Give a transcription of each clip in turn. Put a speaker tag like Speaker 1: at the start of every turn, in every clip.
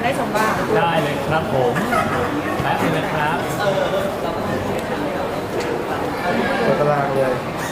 Speaker 1: ได้ชมบ้าง
Speaker 2: ได้เลยครับผมแป๊บนึงนะครับ
Speaker 3: เปิดตารางเลย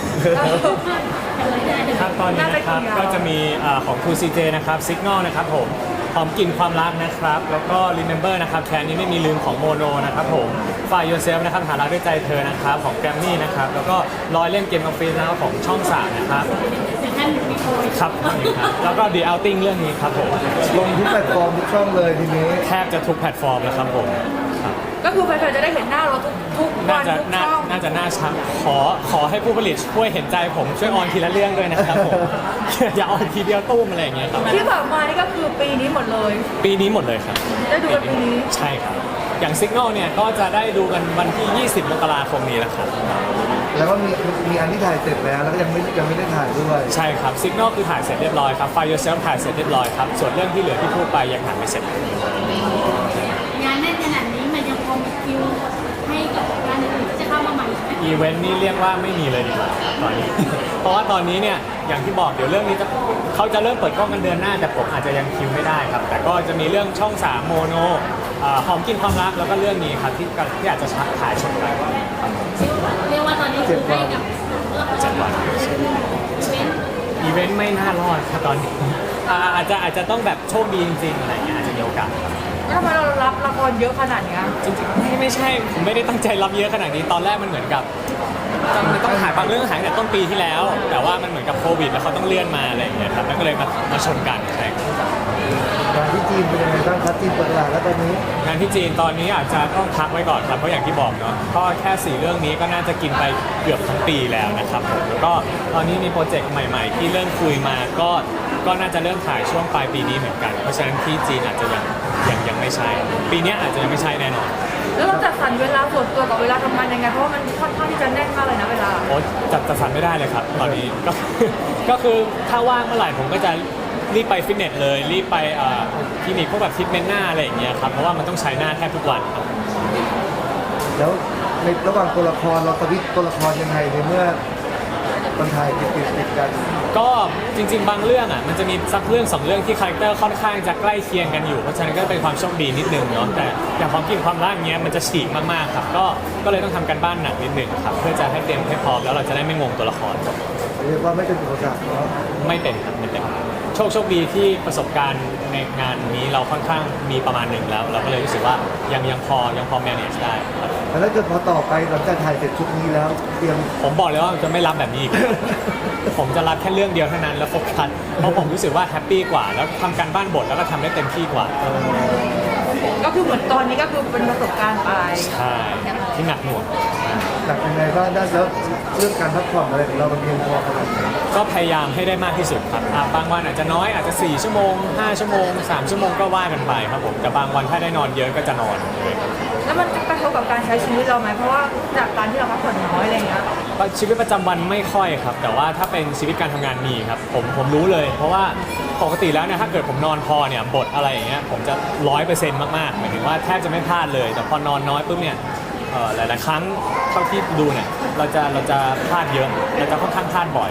Speaker 2: ครับตอนนี้นะครับก็จะมีของ 2CJ นะครับ Signal นะครับผมหอมกลิ่นความรักนะครับแล้วก็ Remember นะครับแค่นี้ไม่มีลืมของโมโนนะครับผม Find Yourself นะครับหารักด้วยใจเธอนะครับของ Grammy นะครับแล้วก็รอยเล่นเกมออฟฟิศนะครับของช่อง 3 นะครับครับนี่ครับแล้วก็ The Outing เรื่องนี้ครับผม
Speaker 3: ลงทุกแพลตฟอร์มทุกช่องเลยทีนี้
Speaker 2: แทบจะทุกแพลตฟอร์มแล้วครับผมครับ
Speaker 1: ก็คือแฟนๆจะได้เห็นหน้าเราทุกวั
Speaker 2: น่าน จะ
Speaker 1: ทุกช่อง
Speaker 2: น่าจะน่าชัดขอให้ผู้ผลิตช่วยเห็นใจผมช่วยออนทีละเรื่องด้วยนะครับผม อย่าออนทีเดียวตุ้มอะไรอย่างเงี้ยครับ
Speaker 1: ที่ผ่านมานี่ก็คือปีนี้หมดเลย
Speaker 2: ปีนี้หมดเลยครับ
Speaker 1: ได้ดูกันปีนี้
Speaker 2: ใช่ครับ อย่าง Signal เนี่ยก็จะได้ดูกันวันที่ 20 มกราคมนี้แหละครับ
Speaker 3: แล้วก็มีอันที่ถ่ายเสร็จแล้วแล้วก็ยังไม่ได้ถ่ายด้วย
Speaker 2: ใช่ครับ Signal คือถ่ายเสร็จเรียบร้อยครับ Find Yourself ถ่ายเสร็จเรียบร้อยครับ ส่วนเรื่องที่เหลือที่พูดไปยังถ่ายไม่เสร็จ
Speaker 4: งานแน่นขนาดนี้มันยังพอมีคิวให้กับงานอื่นๆที่จะเข้ามาใหม่ไหม
Speaker 2: อีเวนต์นี่เรียกว่าไม่มีเลยดีกว่าตอนนี้ เพราะว่าตอนนี้เนี่ยอย่างที่บอกเดี๋ยวเรื่องนี้เขาจะเริ่มเปิดกล้องกันเดือนหน้าแต่ผมอาจจะยังคิวไม่ได้ครับ แต่ก็จะมีเรื่องช่อง 3 โมโนหอมกินความรักแล้วก็เรื่องนี้ครับที่อาจจะถ่ายชมกัน
Speaker 4: เรียกว่าตอนนี้คือให้กับ
Speaker 2: 7 วัน อีเวนต์ไม่น่ารอดครับตอนนี้อาจจะต้องแบบโชคดีจริงๆอะไรอย่างเงี้ยอาจจะมีโอกาสครับ
Speaker 1: แล้วทำไมเรารับละครเยอะขนาดเนี้ย
Speaker 2: จริงๆไม่ใช่ผมไม่ได้ตั้งใจรับเยอะขนาดนี้ตอนแรกมันเหมือนกับมันต้องถ่ายบางเรื่องถ่ายตั้งแต่ต้นปีที่แล้ว แต่ว่ามันเหมือนกับโควิดแล้วเขาต้องเลื่อนมาอะไรอย่างเงี้ยครับแล้วก็เลยมาชนกันใช่ครับ
Speaker 3: งานที่จีนเป็นยังไงบ้างครับจีนเปิดตลาดแล้วตอนนี้
Speaker 2: งานที่จีนตอนนี้อาจจะต้องพักไว้ก่อนครับเพราะอย่างที่บอกเนาะก็แค่4เรื่องนี้ก็น่าจะกินไปเกือบทั้งปีแล้วนะครับผมแล้วก็ตอนนี้มีโปรเจกต์ใหม่ๆ ที่เริ่มคุยมาก็น่าจะเริ่มถ่ายช่วงปลายปีนี้เหมือนกันเพราะฉะนั้นที่จีนอาจจะยังไม่ใช่ปีนี้อาจจะยังไม่ใช่แน่นอน
Speaker 1: แล้วเราจัดสรรเวลาส่วนตัวกับเวลาทำงานยังไงเพราะว่ามันค่อนข้างที่จะแน่นมากเลยนะเวลา
Speaker 2: โอ้จัดสรรไม่ได้เลยครับ ตอนนี้ก็ ก็คือถ้าว่างเมื่อไหร่ผมก็จะรีบไปฟิตเนสเลยรีบไปคลินิกพวกแบบทรีทเมนต์หน้าอะไรอย่างเงี้ยครับเพราะว่ามันต้องใช้หน้าแทบทุกวันครับ
Speaker 3: แล้วในระหว่างตัวละครเราสวิตช์ตัวละครยังไงในเมื่อมันถ่ายติดกัน
Speaker 2: ก็จริงๆบางเรื่องอ่ะมันจะมีสักเรื่อง2เรื่องที่คาแรคเตอร์ค่อนข้างจะใกล้เคียงกันอยู่เพราะฉะนั้นก็เป็นความโชคดีนิดนึงเนาะแต่อย่างความกินความรักเงี้ยมันจะฉีกมากๆครับก็เลยต้องทำกันบ้านหนักนิดนึงครับเพื่อจะให้เต็มให้พร้อมแล้วเราจะได้ไม่งงตัวละคร
Speaker 3: เรียกว่าไม่เป็นอุปสรรคเนาะ
Speaker 2: ไม่เป็นครับไม่เป็นโชคดีที่ประสบการณ์ในงานนี้เราค่อนข้างมีประมาณหนึ่งแล้ว เราก็เลยรู้สึกว่ายังพอ manage ได้ครับ
Speaker 3: แล้วถ้าเกิดพอต่อไปหลังจากถ่ายเสร็จชุดนี้แล้วเตรียม
Speaker 2: ผมบอกเลยว่าจะไม่รับแบบนี้อีก ผมจะรับแค่เรื่องเดียวเท่านั้นแล้วโฟกัสเพราะผมรู้สึกว่าแฮปปี้กว่า แล้วทำการบ้านบทแล้วก็ทำได้เต็มที่กว่า
Speaker 1: ก็คือเหมือนตอนนี้ก็คือเป็นประสบการณ์ไป
Speaker 2: ใช่ที่หนักหน่วง
Speaker 3: หนักยังไงบ้างได้แล้วเรื่องการพักผ่อนอะไรของเรามันเพียงพอขนาดไหน
Speaker 2: ก็พยายามให้ได้มากที่สุดครับบางวันอาจจะน้อยอาจจะ4 ชั่วโมง 5 ชั่วโมง 3 ชั่วโมงก็ว่ากันไปครับผมแต่บางวันถ้าได้นอนเยอะก็จะนอน
Speaker 1: แล้วมันจะกระทบกับการใช้ชีวิตเราไหมเพราะว่าจากการที่เราพักผ่อนน้อยอะไรอย่างเงี้ย
Speaker 2: ชีวิตประจำวันไม่ค่อยครับ แต่ว่าถ้าเป็นชีวิตการทำงานมีครับผมรู้เลย เพราะว่าปกติแล้วเนี่ยถ้าเกิดผมนอนพอเนี่ยบทอะไรอย่างเงี้ยผมจะ100%มากๆหมายถึงว่าแทบจะไม่พลาดเลย แต่พอนอนน้อยปุ๊บเนี่ยหลายๆครั้งเท่าที่ดูเนี่ยเราจะพลาดเยอะเราจะค่อนข้างพลาดบ่อย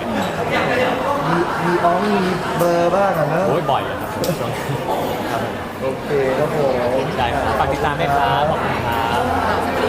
Speaker 3: มีเบอร์บ้างอะเนอะ
Speaker 2: โอ้ยบ่อยเลยครับช่วงนี้ครับผม
Speaker 3: โอเคครับผม
Speaker 2: ได้ครับฝากติดตามด้วยครับขอบคุณครับ